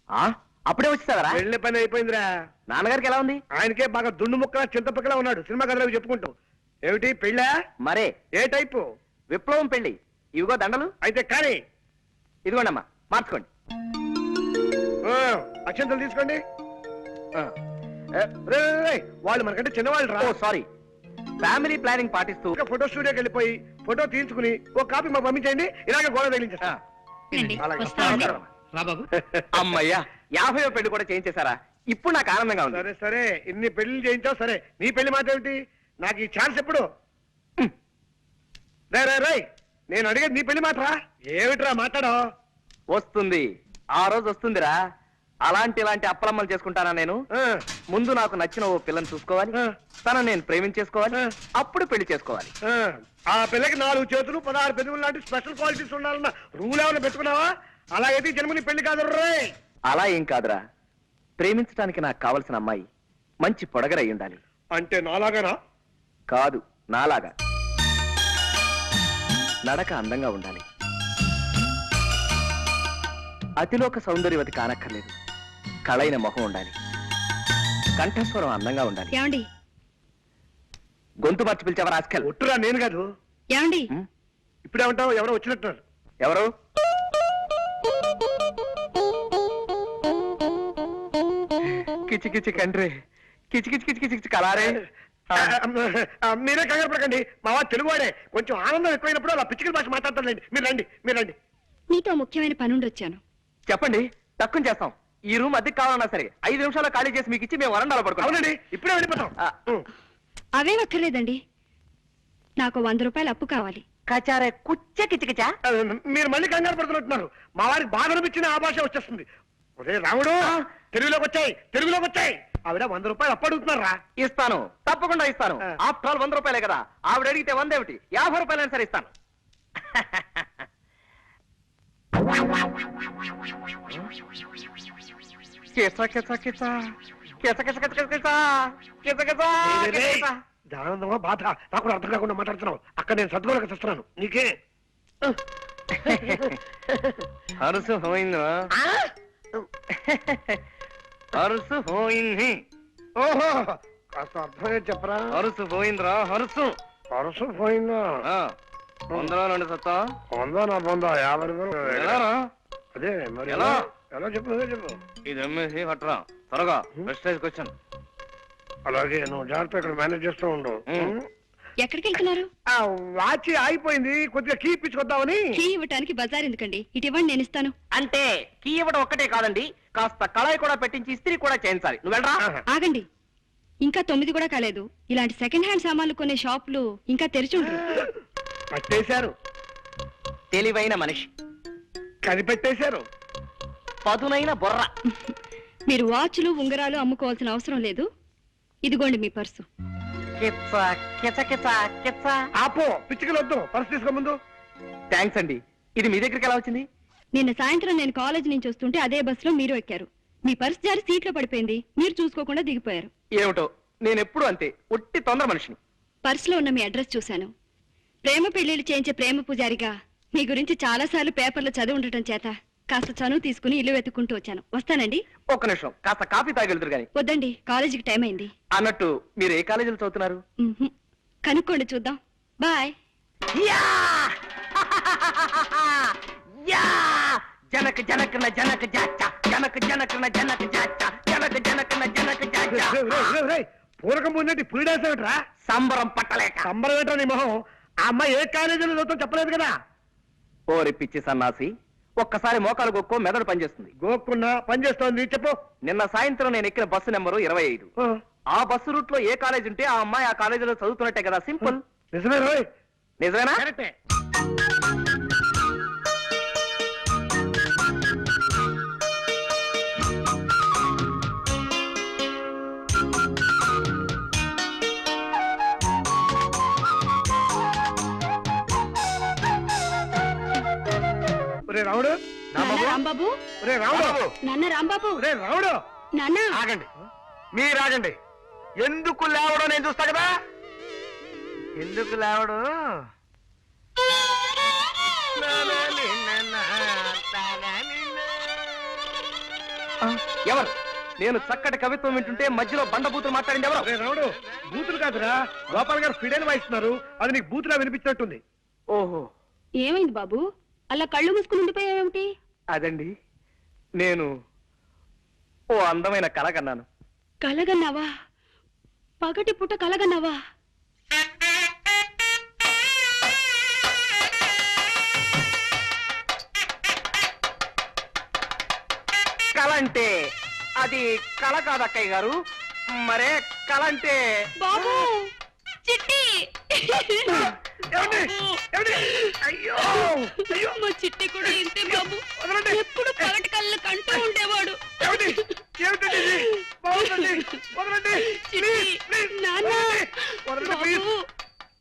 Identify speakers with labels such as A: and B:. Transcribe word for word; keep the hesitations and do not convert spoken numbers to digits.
A: అప్పుడే వచ్చేసావరా?
B: పెళ్లి పని అయిపోయిందిరా.
A: నాన్నగారికి ఎలా ఉంది?
B: ఆయనకే బాగా దుండు ముక్కలా చింతపక్కలా ఉన్నాడు. సినిమా కథలకు చెప్పుకుంటూ. ఏమిటి పెళ్ళా?
A: మరే.
B: ఏ టైపు?
A: విప్లవం పెళ్లి. ఇవిగో దండలు.
B: అయితే కానీ
A: ఇదిగోండి అమ్మా, మార్చుకోండి.
B: అక్షంతలు తీసుకోండి. వాళ్ళు మనకంటే చిన్నవాళ్ళు రా.
A: సారీ. ఫ్యామిలీ ప్లానింగ్ పాటిస్తూ
B: ఫోటో స్టూడియోకి వెళ్ళిపోయి ఫోటో తీయించుకుని ఒక కాపీ మాకు పంపించండి. ఇలాగే గోడ తగిలించేస్తా.
A: అమ్మయ్యా, యాభై పెళ్లి కూడా చేయించేశారా? ఇప్పుడు నాకు ఆనందంగా ఉంది.
B: సరే సరే, ఇన్ని పెళ్లి చేయించావు సరే, నీ పెళ్లి మాట ఏమిటి? నాకు ఈ ఛాన్స్ ఎప్పుడు? రే రే రే, నేను అడిగేది నీ పెళ్లి మాటరా. ఏమిట్రా మాట్లాడో?
A: వస్తుంది, ఆ రోజు వస్తుందిరా. అలాంటి ఇలాంటి అప్పలమ్మలు చేసుకుంటానా నేను? ముందు నాకు నచ్చిన ఓ పిల్లని చూసుకోవాలి, తను నేను ప్రేమించేసుకోవాలి, అప్పుడు పెళ్లి చేసుకోవాలి.
B: ఆ పిల్లకి నాలుగు చేతులు పదహారు పెదవులు లాంటి స్పెషల్ క్వాలిటీస్ ఉండాలన్న రూల్ ఏమైనా పెట్టుకున్నావా? అలాగైతే జన్మని పెళ్లి కాదు రే.
A: అలా ఏం కాదురా, ప్రేమించడానికి నాకు కావలసిన అమ్మాయి మంచి పొడగరై ఉండాలి.
B: అంటే నాలాగానా?
A: కాదు, నాలాగా. నడక అందంగా ఉండాలి, అతిలోక సౌందర్యవతి కానక్కర్లేదు, కళైన మొహం ఉండాలి, కంఠస్వరం అందంగా ఉండాలి.
C: ఏమండి?
A: గొంతు మార్చి పిలిచావా రాస్కల్?
B: ఒట్టురా, నేను కాదు.
C: ఏమండి?
B: ఇప్పుడేమంటావు? ఎవరో వచ్చినట్టున్నారు.
A: ఎవరు? కిచి కిచి కండ్రి, కిచి కిచి కిచి కిచి కలారే.
B: మీరే కంగారు పడకండి, మా వాడు తెలుగువాడే. కొంచెం ఆనందం ఎక్కువైనప్పుడు అలా పిచ్చికల భాష మాట్లాడతారులేండి. మీరు రండి, మీరు రండి.
C: నీతో ముఖ్యమైన పనుండి వచ్చాను.
A: చెప్పండి, తక్కువ చేస్తాం. ఈ రూమ్ అద్దెకి కావాలన్నా సరే ఐదు నిమిషాల్లో ఖాళీ చేసి మీకు ఇచ్చి మేము వరండాలో పడుకోండి.
B: అవునండి, ఇప్పుడే వెళ్ళిపోతాం.
C: అవే అక్కర్లేదండి, నాకు వంద రూపాయలు అప్పు కావాలి.
A: కచారే కుచ్చ కిచకిచా.
B: మీరు మళ్ళీ కంగారు పడుతున్నట్టున్నారు. మా వారికి బాధ అనిపించిన ఆ భాష వచ్చేస్తుంది. ఒరే రాముడు, తెలుగులోకి వచ్చాయి, తెలుగులోకి వచ్చాయి. ఆవిడ వంద రూపాయలు అప్పు అడుగుతున్నారా?
A: ఇస్తాను, తప్పకుండా ఇస్తాను. ఆఫ్టర్ ఆల్ వంద రూపాయలే కదా. ఆవిడ అడిగితే వంద ఏమిటి, యాభై రూపాయలైనా సరే ఇస్తాను.
B: ఆనందమా బాధ నాకు కూడా అర్థం కాకుండా మాట్లాడుతున్నావు. అక్కడ నేను సద్గోళక చేస్తున్నాను. నీకే
A: హరుసు పోయిందా? హరుసు పోయింది.
B: ఓహో, కాస్త అర్థమే చెప్పరా.
A: హరుసు పోయిందిరా, హరుసు
B: హరుసు పోయిందా?
A: వందలో రెండు సత్తా.
B: వందా నా పొందా యాభై రూపాయలు. అదే మరి ఎలా ఎలా చెప్పు చెప్పు.
A: ఇది అమ్మేసి పట్టరా త్వరగా. Prestige question.
B: అలాగే, నువ్వు జాగ్రత్త ఇక్కడ మేనేజ్ చేస్తూ ఉండు.
C: ఎక్కడికి వెళ్తున్నారు?
B: వాచి ఆగిపోయింది, కొద్దిగా కీ ఇప్పించుకొద్దామని.
C: కీ ఇవ్వటానికి బజార్ ఎందుకండి, ఇటు ఇవ్వండి, నేను ఇస్తాను.
A: అంటే కీ ఇవ్వడం ఒక్కటే కాదండి, కాస్త కళాయి కూడా పెట్టించి ఇస్త్రీ కూడా చేయించాలి. నువ్వు వెళ్ళరా.
C: ఆగండి, ఇంకా తొమ్మిది కూడా కాలేదు. ఇలాంటి సెకండ్ హ్యాండ్ సామాన్లు కొనే షాపులు ఇంకా తెరిచి ఉంటారు.
B: పట్టేశారు.
A: తెలివైన మనిషి
B: కనిపెట్టేశారు.
A: పదునైన బుర్ర.
C: మీరు వాచ్లు ఉంగరాలు అమ్ముకోవాల్సిన అవసరం లేదు. ఇదిగోండి మీ పర్సు.
B: ఆపో, పిచ్చికలు వద్దు, పర్సు తీసుకో ముందు.
A: థ్యాంక్స్ అండి. ఇది మీ దగ్గరికి ఎలా వచ్చింది?
C: నిన్న సాయంత్రం నేను కాలేజ్ నుంచి వస్తుంటే అదే బస్సులో మీరు ఎక్కారు. మీ పర్సు జారి సీట్లో పడిపోయింది, మీరు చూసుకోకుండా దిగిపోయారు.
A: ఏమిటో, నేను ఎప్పుడు అంతే, ఒట్టి తొందర మనిషిని.
C: పర్సులో ఉన్న మీ అడ్రస్ చూశాను. ప్రేమ పెళ్లిళ్ళు చేయించే ప్రేమ పూజారిగా మీ గురించి చాలా సార్లు పేపర్లో చదివి ఉండటం చేత కాస్త చనువు తీసుకుని ఇల్లు వెతుక్కుంటూ వచ్చాను. వస్తానండి.
A: ఒక్క నిమిషం, కాస్త కాఫీ తాగెళ్తురు గాని.
C: వద్దండి, కాలేజీకి టైం అయింది.
A: అన్నట్టు మీరు ఏ కాలేజీలో చదువుతున్నారు?
C: కనుక్కోండి, చూద్దాం. బాయ్.
A: జనక జనకన జనక జాచ, జనక జనకన జనక జాచ, జనక జనకన జనక జాచ.
B: పూరకం పొందేటి పులిడేసేమిట్రా?
A: సంబరం పట్టలేక.
B: సంబరం ఏంటో నీ మొహం. ఆ అమ్మాయి ఏ కాలేజీలో చదువుతాం చెప్పలేదు కదా.
A: ఓరి పిచ్చి సన్నాసి, ఒక్కసారి మోకాలు గొక్కో మెదడు పనిచేస్తుంది.
B: గోక్కున్నా పనిచేస్తోంది, చెప్పు.
A: నిన్న సాయంత్రం నేను ఎక్కిన బస్సు నెంబరు ఇరవై ఐదు. ఆ బస్సు రూట్ లో ఏ కాలేజ్ ఉంటే ఆ అమ్మాయి ఆ కాలేజీలో చదువుతున్నట్టే కదా. సింపుల్.
B: నిజమే రోయ్.
A: నిజమేనా?
B: రాముడు,
C: రాంబాబు,
B: రాముడు,
C: నాన్న రాంబాబు,
B: రాముడు,
C: నాన్న.
B: ఆగండి, మీరు ఆగండి. ఎందుకు లేవడం నేను చూస్తా కదా. ఎందుకు లేవడం?
A: ఎవరు? నేను చక్కటి కవిత్వం వింటుంటే మధ్యలో బండబూతులు మాట్లాడింది ఎవరు?
B: ఒరే రాముడు, బూతులు కాదురా, గోపాల్ గారు ఫిడైన్ వాయిస్తున్నారు. అది నీకు బూతులా వినిపించినట్టుంది.
A: ఓహో,
C: ఏమైంది బాబు అలా కళ్ళు మూసుకుని ఉండిపోయావేమిటి?
A: అదండి, నేను ఓ అందమైన కళ కన్నాను.
C: కలగన్నావా? పగటి పుట్ట కలగన్నావా?
A: కళ అంటే అది కళ కాదు అక్కయ్య గారు. మరే కళ అంటే
C: బాబు చిట్టి
B: ఏమండి? ఏమండి? అయ్యో అయ్యో,
C: మా చిట్టి కూడా ఇంతే బాబు.
B: వదలండి.
C: ఎప్పుడు పగటి కళ్ళ కంటూ ఉండేవాడు.
B: ఏమండి? ఏమిటండి ఇది? బాగుందండి, వదలండి.
C: చిట్టి